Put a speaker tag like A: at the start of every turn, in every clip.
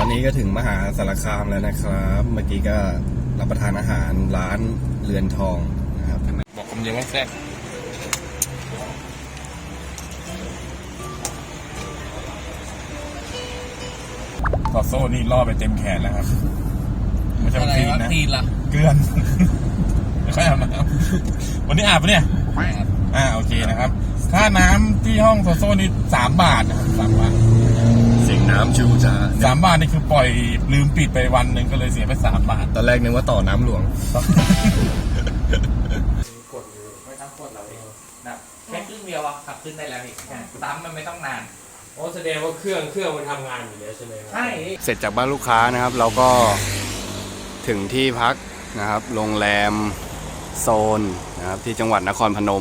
A: อนนี้ก็ถึงมหาสารคามแล้วนะครับเมื่อกี้ก็รับประทานอาหารร้านเรือนทองนะครับบอกคำเดียวว่าแซ่บขอโซ่นี่ล่อไปเต็มแขนแล้วครับไม่ใช่ตีนนะเกลือนไม่ค่อยอาบน้ำวันนี้อาบปะเนี่ยโอเคนะครับค่าน้ำที่ห้องโซนี่3 บาทนะครับ3 บาทเสียงน้ำชูจ้า3 บาทนี่คือปล่อยลืมปิดไปวันหนึ่งก็เลยเสียไป3 บาทตอนแรกนึกว่าต่อน้ำหลวง
B: กดอยู่ไม่ต้องกดเราเองนะแค่ครึ่งเดียวขับขึ้นได้แล้วนี่ซ้ำมันไม่ต้องนาน
C: โอ้แสดงว่าเครื่องมันทำงานอยู่แล้วใช่ไหมครับ
B: ใช่
A: เสร็จจากบ้านลูกค้านะครับเราก็ถึงที่พักนะครับโรงแรมโซนนะครับที่จังหวัดนครพนม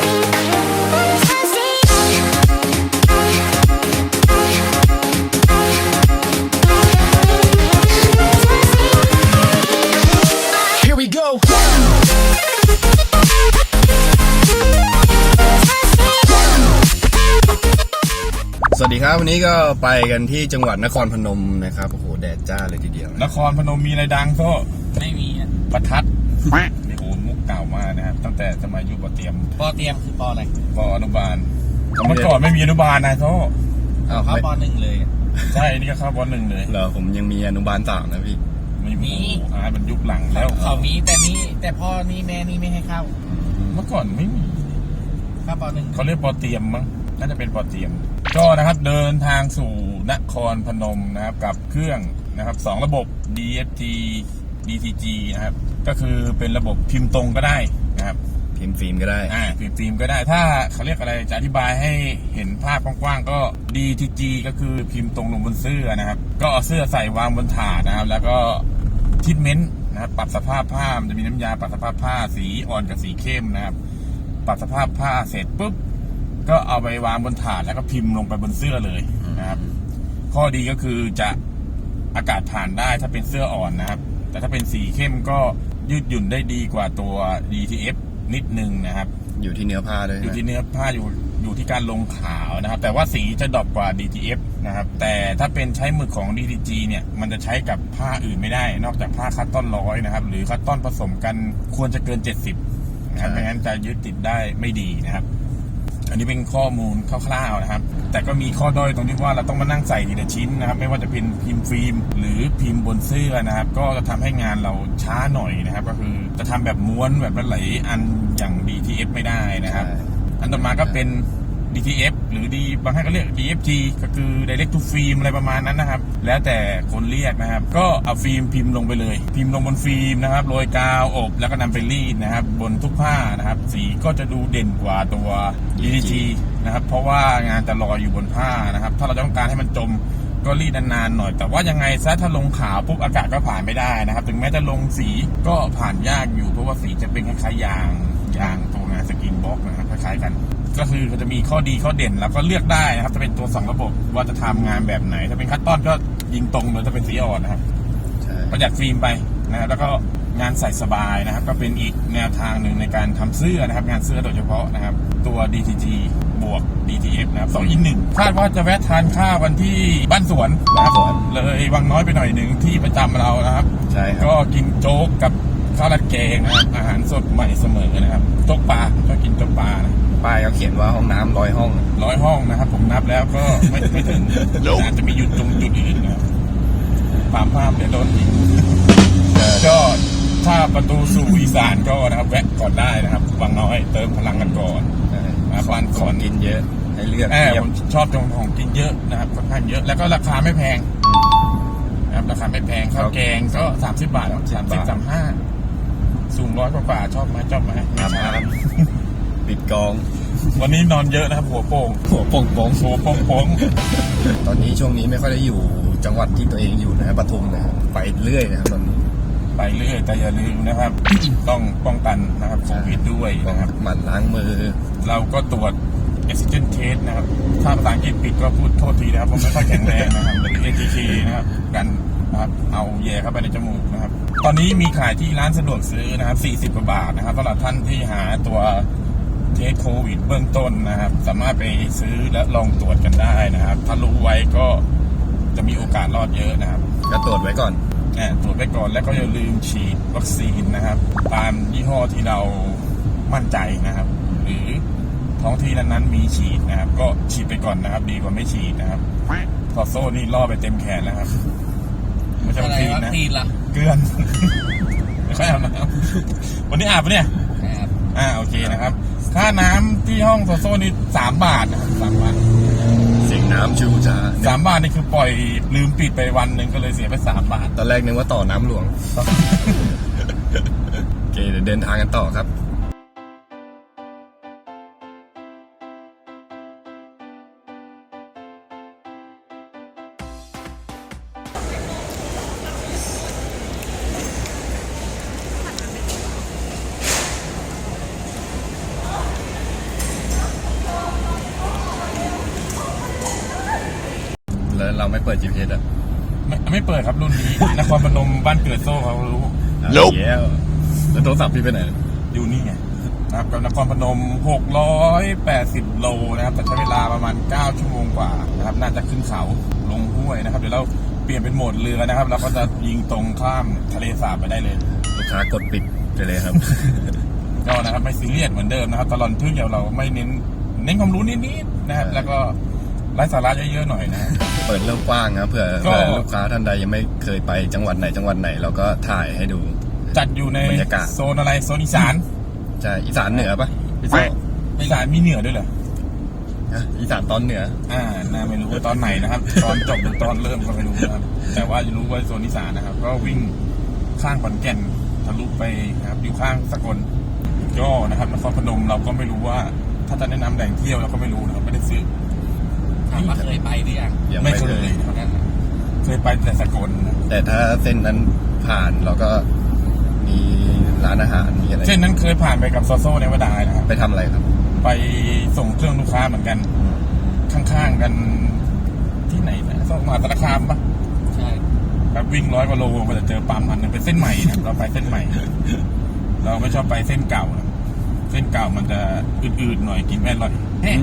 A: สวัสดีครับวันนี้ก็ไปกันที่จังหวัดนครพนมนะครับโอ้โหแดดจ้าเลยทีเดียวนครพนมมีอะไรดังก็
B: ไม่มี
A: ประทัดนี่โอ้มุกเก่ามากนะครับตั้งแต่สมัยยุคปอเตรียม
B: คือปออะไร
A: ปออนุบาลเมื่อก่อนไม่มีอนุบาลนะโซ่
B: เข้าป.1เลย
A: ใช่นี่ก็เข้าป.1เลยเหรอผมยังมีอนุบาล3นะพี่ไม่มีมันยุคหลังแล้ว
B: เขามีแต่พ่อนี่แม่นี่ไม่ให้เข้า
A: เมื่อก่อนไม่มี
B: เข้าป.1
A: เขาเรียกปอเตรียมมั้งน่าจะเป็นปอเตรียมก็นะครับเดินทางสู่นครพนมนะครับกับเครื่องนะครับ2 ระบบ DFT DTG นะครับก็คือเป็นระบบพิมพ์ตรงก็ได้นะครับพิมพ์ฟิล์มก็ได้พิมพ์ฟิล์มก็ได้ถ้าเขาเรียกอะไรจะอธิบายให้เห็นภาพกว้างๆก็ DTG ก็คือพิมพ์ตรงลงบนเสื้อนะครับก็เอาเสื้อใส่วางบนถาดนะครับแล้วก็ทรีทเมนต์นะครับปรับสภาพผ้ามันจะมีน้ำยาปรับสภาพผ้าสีอ่อนกับสีเข้มนะครับปรับสภาพผ้าเสร็จปุ๊บก็เอาไปวางบนถาดแล้วก็พิมพ์ลงไปบนเสื้อเลยนะครับข้อดีก็คือจะอากาศผ่านได้ถ้าเป็นเสื้ออ่อนนะครับแต่ถ้าเป็นสีเข้มก็ยืดหยุ่นได้ดีกว่าตัว DTF นิดนึงนะครับอยู่ที่เนื้อผ้าเลยอยู่ที่เนื้อผ้าอยู่ที่การลงขาวนะครับแต่ว่าสีจะดรอปกว่า DTF นะครับแต่ถ้าเป็นใช้หมึกของ DTG เนี่ยมันจะใช้กับผ้าอื่นไม่ได้นอกจากผ้าคัตตอน100นะครับหรือคัตตอนผสมกันควรจะเกิน70นะครับไม่งั้นจะยึดติดได้ไม่ดีนะครับอันนี้เป็นข้อมูลคร่าวๆนะครับแต่ก็มีข้อด้อยตรงที่ว่าเราต้องมานั่งใส่ทีละชิ้นนะครับไม่ว่าจะเป็นพิมพ์ฟิล์มหรือพิมพ์บนเสื้อนะครับก็จะทำให้งานเราช้าหน่อยนะครับก็คือจะทำแบบม้วนแบบหลายอันอย่าง DTF ไม่ได้นะครับอันต่อมาก็เป็น DTF หรือบางท่านก็เรียก DFT ก็คือ Direct to Film อะไรประมาณนั้นนะครับแล้วแต่คนเรียกนะครับก็เอาฟิล์มพิมพ์ลงไปเลยพิมพ์ลงบนฟิล์มนะครับโรยกาวอบแล้วก็นำไปรีดนะครับบนทุกผ้านะครับสีก็จะดูเด่นกว่าตัว DTG นะครับเพราะว่างานจะลอยอยู่บนผ้านะครับถ้าเราต้องการให้มันจมก็รีดนานๆหน่อยแต่ว่ายังไงซะถ้าลงขาวปุ๊บอากาศก็ผ่านไม่ได้นะครับถึงแม้จะลงสีก็ผ่านยากอยู่เพราะว่าสีจะเป็นคล้ายๆยางตัวงานสกินบ็อกนะครับคล้ายๆกันก็คือเขาจะมีข้อดีข้อเด่นแล้วก็เลือกได้นะครับจะเป็นตัว2 ระบบว่าจะทำงานแบบไหนถ้าเป็นคัตตอนก็ยิงตรงเลยถ้าเป็นสีอ่อนนะครับประหยัดฟิล์มไปนะครับแล้วก็งานใส่สบายนะครับก็เป็นอีกแนวทางหนึ่งในการทำเสื้อนะครับงานเสื้อโดยเฉพาะนะครับตัว DTG บวก DTF นะครับ2 in 1คาดว่าจะแวะทานข้าววันที่บ้านสวนนะครับเลยวังน้อยไปหน่อยหนึ่งที่ประจำเรานะครับใช่ก็กินโจ๊กกับข้าวราดแกงนะครับอาหารสดใหม่เสมอนะครับโจ๊กปลาก็กินโจ๊กปลานะป้ายเขาเขียนว่าห้องน้ำ100 ห้องนะครับผมนับแล้วก็ไม่ถึงอาจจะมีจุดอื่นนะครับภาพเดี๋ยวโดนอีกก็ถ้าประตูสู่อีสานก็นะครับแวะก่อนได้นะครับวังน้อยเติมพลังกันก่อนบ้านสวนกินเยอะให้เลือกผมชอบตรงของกินเยอะนะครับค่อนข้างเยอะแล้วก็ราคาไม่แพงนะครับราคาไม่แพงข้าวแกงก็30 บาท30-35สูง100 กว่าชอบไหมครับปิดกองวันนี้นอนเยอะนะครับหัวโป่งตอนนี้ช่วงนี้ไม่ค่อยได้อยู่จังหวัดที่ตัวเองอยู่นะครับปทุมนะครับไปเรื่อยนะครับตอนนี้ไปเรื่อยแต่อย่าลืมนะครับ ต้องป้องกันนะครับโควิดด้วยนะครับหมั่นล้างมือเราก็ตรวจ Oxygen Test นะครับถ้าภาษาอังกฤษปิดก็พูดโทษทีนะครับผมไม่ค่อยแข็งแรงนะครับเป็น ATK นะครับกันนะครับเอาแย่เข้าไปในจมูกนะครับตอนนี้มีขายที่ร้านสะดวกซื้อนะครับ40 กว่าบาทนะครับสำหรับท่านที่หาตัวเทสโควิดเบื้องต้นนะครับสามารถไปซื้อและลองตรวจกันได้นะครับถ้ารู้ไว้ก็จะมีโอกาสรอดเยอะนะครับ
D: ก็ตรวจไว้ก่อน
A: ตรวจไปก่อนแล้วก็อย่าลืมฉีดวัคซีนนะครับ ตามยี่ห้อที่เรามั่นใจนะครับ หรือท้องที่นั้นๆมีฉีดนะครับ ก็ฉีดไปก่อนนะครับ ดีกว่าไม่ฉีดนะครับซอโซ่นี่ล่อไปเต็มแขนแล้วครับไม่ใช่วัคซีนนะ
B: ตีนละ
A: เกลือน ไม่ค่อยอาบน้ำวันนี้อาบปะเนี่ย
B: ครับ
A: โอเคนะครับค่าน้ำที่ห้องซอโซ่นี่3 บาทนะครับ3 บาท
D: เสียงน้ำชูจ้า
A: 3 บาทนี่คือปล่อยลืมปิดไปวันหนึ่งก็เลยเสียไป3 บาท
D: ตอนแรกนึกว่าต่อน้ำหลวง โอเคเดี๋ยวเดินทางกันต่อครับ แล้วเราไม่เปิด GPS อ่ะ
A: ไม่เปิดครับรุ่นนี้ นครพนมบ้านเกิดโซ่เขารู้
D: แล้วแล้วโทรศัพท์พี่ไปไหน
A: อยู่นี่ไงนะครับกับนครพนม680 โลนะครับแต่ใช้เวลาประมาณ9 ชั่วโมงกว่านะครับน่าจะขึ้นเขาลงห้วยนะครับเดี๋ยวเราเปลี่ยนเป็นโหมดเรือนะครับเราก็จะยิงตรงข้ามทะเลสาบไปได้เลย
D: ลูกค้ากดปิดไปเลยครับ
A: ก็นะครับไม่ซีเรียสเหมือนเดิมนะครับตลอดทึ่งเดียวเราไม่เน้นความรู้นิดๆนะครับแล้วก็ไร้สาระเยอะๆหน่อยนะ
D: เปิดเรื่องกว้างนะเผื่อ
A: ก็
D: ลูกค้าท่านใดยังไม่เคยไปจังหวัดไหนเราก็ถ่ายให้ดู
A: จัดอยู่ใน
D: บรรยากาศ
A: โซนอะไรโซนอีสาน
D: ใช่อีสานเหนือปะพี่โซ่
A: อีสานมีเหนือด้วยเหรอ
D: ฮะอีสานตอนเหนือ
A: น่าไม่รู้ว่าตอนไหนนะครับ ตอนจบหรือตอนเริ่มก็ไม่รู้นะครับ แต่ว่ารู้ว่าโซนอีสานนะครับ ก็วิ่งข้างขอนแก่นทะลุไปนะครับอยู่ข้างสกลก็นะครับนครพนมเราก็ไม่รู้ว่าถ้าจะแนะนำแหล่งเที่ยวเราก็ไม่รู้นะครับไม่ได้ซื้อ
B: ถามว่าเคยไปหรือยัง
D: ยัง
A: ไม่
D: ไม่
A: เค
D: เค
A: ย
D: ย
A: ครับเคยไปแต่สกลนะ
D: แต่ถ้าเส้นนั้นผ่านเราก็มีร้านอาหารมีอะไร
A: เช่นนั้นเคยผ่านไปกับโซโซ่ในวดายนะครับ
D: ไปทำอะไรครับ
A: ไปส่งเครื่องลูกค้าเหมือนกัน ข้างๆกันที่ไหนนะส่งมหาสารคามปะ
B: ใช่
A: แบบวิ่ง100 กว่าโลก็จะเจอปั๊มอันนึงเป็นเส้นใหม่นะเราไปเส้นใหม่ เราไม่ชอบไปเส้นเก่านะเส้นเก่ามันจะอืดๆหน่อยกินไม่อร่อยเฮ้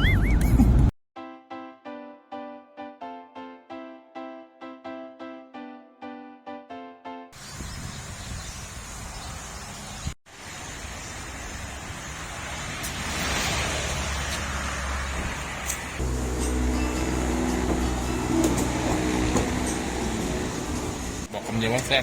A: บอกคำเดียวว่าแซ่บ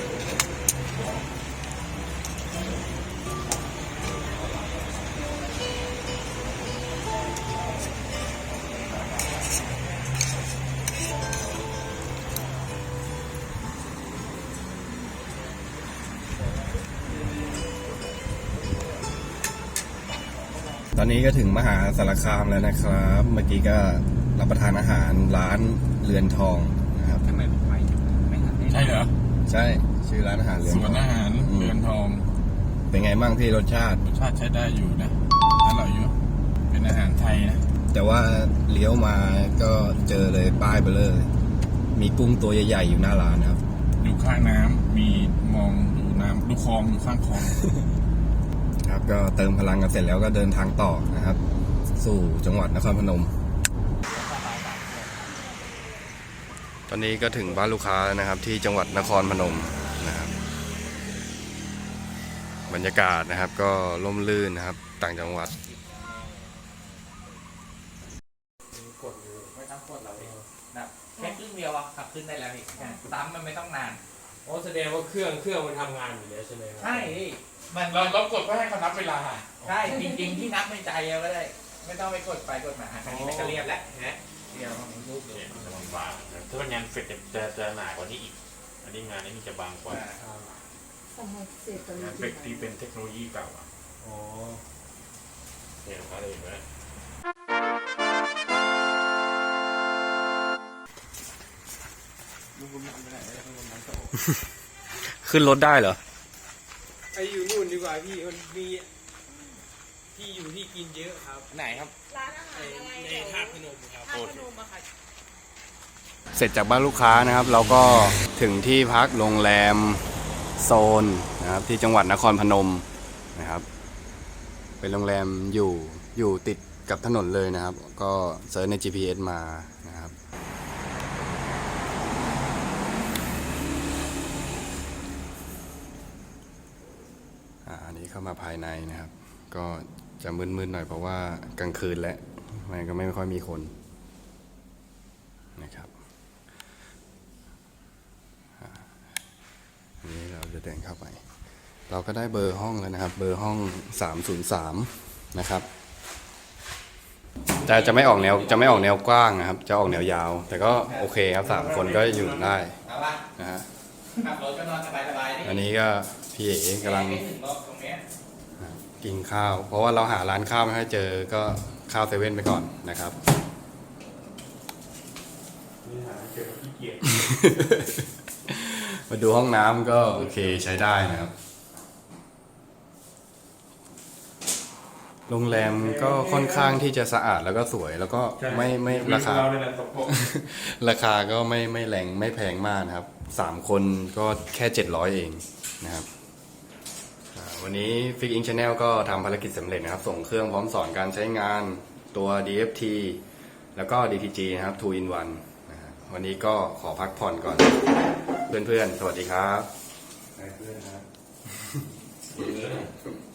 D: ตอนนี้ก็ถึงมหาสารคามแล้วนะครับ เมื่อกี้ก็รับประทานอาหารร้านเรือนทองนะครับ
B: ทำไมผมไปไม่ทันได้
A: ใช่เหรอ
D: ใช่ชื่อร้านอาหารเรือน
A: ส
D: ท
A: ว
D: อน ง
A: อาหารเรือนทอง
D: เป็นไงบ้างพี่รสชาติ
A: รสชาติใช้ได้อยู่นะอร่อยอยู่เป็นอาหารไทยนะ
D: แต่ว่าเลี้ยวมาก็เจอเลยป้ายเบลเลอร์มีกุ้งตัวใหญ่ๆอยู่หน้าร้านนะครับ
A: อยู่ข้างน้ำมีมองดูน้ำดูคลองอยู่ข้างคลอง
D: ครับก็เติมพลังกันเสร็จแล้วก็เดินทางต่อนะครับ สู่จังหวัดนครพนม ตอนนี้ก็ถึงบ้านลูกค้าแล้วนะครับ ที่จังหวัดนครพนมนะครับ บรรยากาศนะครับก็ร่มรื่นนะครับ ต่างจังหวัด
B: กดอยู่ไม่ต้องกดเราเองแบบแค่ครึ่งเดียวอะขับขึ้นได้แล้วพี่ซ้ำมันไม่ต้องนาน
C: อ๋อแสดงว่าเครื่องมันทำงานอยู่แล้วใช่ไหมครับ
B: ใช่มัน
A: เรากดเพื่อให้เขานับเวลา
B: ใช่จริงๆที่นับในใจเอาก็ได้ ไม่ต้องไปกดไปกดมาอันนี้มันก็เรียบแล้วนะเรียบมันรูปเลย
E: จะบางๆถ้ามันงานเสร็จจะหนากว่านี้อีก อันนี้งานนี้จะบางกว่า งานเฟกที่เป็นเทคโนโลยีเก่าอ่ะ
C: อ๋อ
E: เนี่ยอะไรอย่างเงี้ย
D: ขึ้นรถได้เหรอ
C: ไปอยู่นู่นดีกว่าพี่มันมีที่อยู่ที่กินเยอะครับ
B: ไหนครับ
F: ร้านอาหารอะไร
C: ในธาตุพนมครับ
F: ท่าตุพนมอะค่ะ
D: เสร็จจากบ้านลูกค้านะครับ เราก็ถึงที่พักโรงแรมโซนนะครับที่จังหวัดนครพนมนะครับ เป็นโรงแรมอยู่ติดกับถนนเลยนะครับ ก็เซิร์ชใน GPS มานะครับนี่เข้ามาภายในนะครับ ก็จะมืดๆหน่อยเพราะว่ากลางคืนแล้วมันก็ไม่ค่อยมีคนนะครับนี่เราจะเดินเข้าไป เราก็ได้เบอร์ห้องแล้วนะครับ เบอร์ห้อง303นะครับแต่จะไม่ออกแนวกว้างนะครับ จะออกแนวยาว แต่ก็โอเคครับ3คนก็อยู่ได้
B: เอาละ
D: นะฮะ
B: ขับรถก็นอนสบายๆนี่
D: อันนี้ก็พี่เอ๋กำลัง
B: ไม่ถึงรถตรงเนี้ย
D: กินข้าว เพราะว่าเราหาร้านข้าวไม่ค่อยเจอก็ข้าวเซเว่นไปก่อนนะครับ
E: นี่หาเจอขี้เกียจ
D: มาดูห้องน้ำก็โอเคใช้ได้นะครับ โรงแรมก็ค่อนข้างที่จะสะอาดแล้วก็สวยแล้วก็ไม่ราคา
E: เราเนี่ยแหละตก
D: ราคาก็ไม่แรงไม่แพงมากนะครับ3คนก็แค่700เองนะครับวันนี้ Fix Ink Channel ก็ทำภารกิจสำเร็จนะครับ ส่งเครื่องพร้อมสอนการใช้งานตัว DFT แล้วก็ DTG นะครับ 2 in 1นะฮะวันนี้ก็ขอพักผ่อนก่อน เพื่อนๆ สวัสดีครับ
E: เพื่อนนะครับ